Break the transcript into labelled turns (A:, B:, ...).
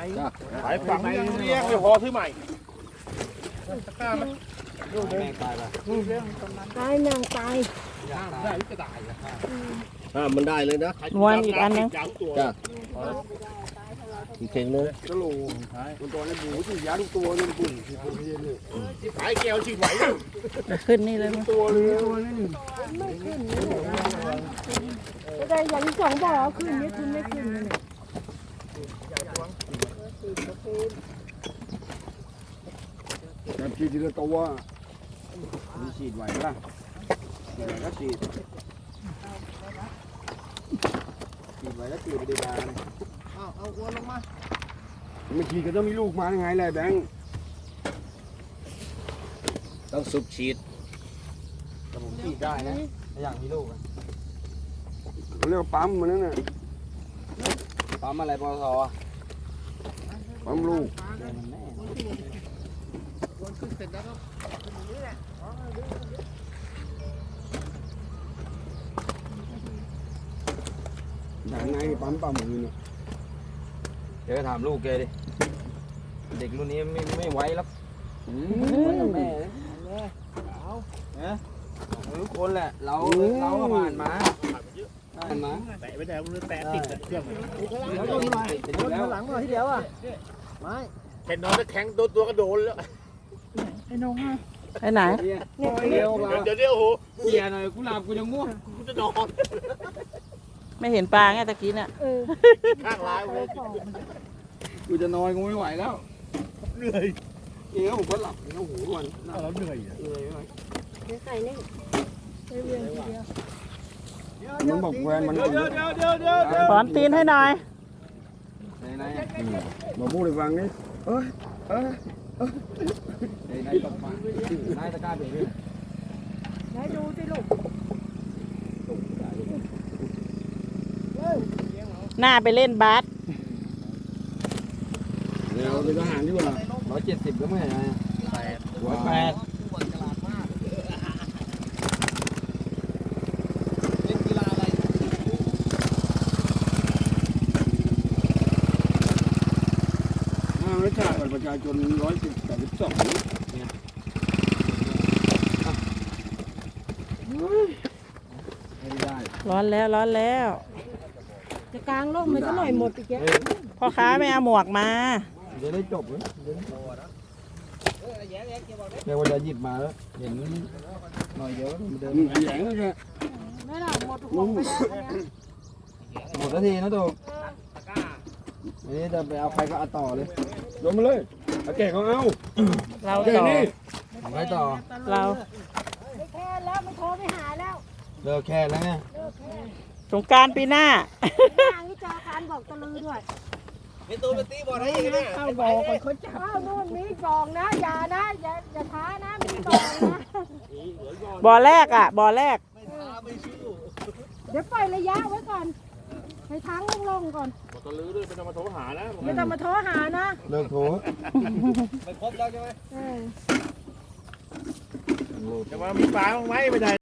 A: ขายฝังยังเลี้ยงไม่พอซื้อใหม่ตะกร้าไหมแม่ตายป่ะ
B: ตายนางตาย
A: ได้ก็ได้
C: มันได้เลยนะ
D: วนอีกอันนึง
C: จ้ะอีกเข่งนึง
A: ก็โลคนตัวนี้หมูที่ยาทุกตัวนี่ปุ่นที่ขายแก้วชิงไหว
D: ขึ้นนี่เลยมั้ย
A: ตัวเลย
B: ไม่ขึ้นนี่แต่อย่างสองบ่อขึ้นนี่คุณไม่ขึ้นนี่
A: แต่ฉีดทีละตัวมีฉีดไหวป่ะฉีดไหวก็ฉีดไหวแล้วฉีดไปดีกว่าเอาหัวลงมาไม่ฉีดก็ต้องมีลูกมายังไงแหละแบงค์
C: ต้องสุบฉีด
A: แต่ผมฉีดได้นะอย่างมีลูกเขาเรียกว่าปั๊มมันนั่นน่ะปั๊มอะไรปตทปั๊มลูกอย่างไงปั๊มปั๊มมือเนี่ยเดี๋ยวถามลูกแกดิเด็กรุ่นนี้ไม่ไหวแล้วแม่ทุกคนแหละเราก็ผ่านมาแตะไม่ได้มันแตะติดเครื่องแล้วก็มาแล้วหลังมาทีเดียวอ่ะไม่แค่นอนจะแข็งตัวกระโดดแล้ว
D: ไปไหน
A: เดี๋ยวโอ้โหเกียร์หน่อยกูหลับกูยังง่วงกูจะนอน
D: ไม่เห็นปลาไงตะกี้เนี่ย
A: ข้างร้ายเลยกูจะนอนกูไม่ไหวแล้วเหนื่อยเองผมก็หลับโอ้โหวันแล้วเหนื่อยไหม
B: ใส่นี่เวียนทีเดียว
A: มันบอกแฟนมัน
D: สอนตีนให้หน่อย
A: ไหนบอกพูดให้ฟังนี่ไหนตกมาไหนตะกร้าเบรกด้วย
B: ไหนดูสิลูก
D: หน้าไปเล่นบาส
A: เดี๋ยวเป็นทหารดีกว่า170ก็ไม่ใช่108รัชชาติประชาชน182เนี่ยไม่ได้
D: ร้อนแล้วร้อนแล้ว
B: จะกลางร่มมันก็หน่อยหมดอีกแก
D: พ่อค้าไม่เอาหมวกมา
A: เดี๋ยวได้จบเลยเดี๋ยววันจะหยิบมาแล้วเห็นหน่อยเดียวมันเดินแข็งเลย
B: ไม่หรอกหมดหัวไปแล้ว
A: หมดนาทีนะตัวอันนี้จะไปเอาใครก็เอาต่อเลยลงมาเลยเอาแก่เขาเอา
D: เราต่อ
A: ทำไงต่อ
D: เรา
B: ไม่แค่แล้วไม่โทรไม่หาแล้ว
A: เลิกแค่แล้วไง
D: สงกรานต์ปีหน้า
B: ทางนี้จอการบอกตะลือด้วย
A: มีตัวเป็นตีบอลได้ยังไง
B: เข้าบอกคนเขาจับอ้าวนู่นมีกองนะอย่านะอย่าท้านะมีกองนะ
D: บ่อแรกอ่ะบ่อแรก
B: เดี๋ยวปล่อยระยะไว้ก่อนให้ทั้งลงก่อน
A: ตะลือด้วยไม่ต้องมาโทรหานะ
B: ไม่ต้องมาโทรหานะ
A: เลิกโทรไม่ครบแล้วใช่ไหม
B: เออ
A: จะมามีปลาบ้างไหมไม่ได้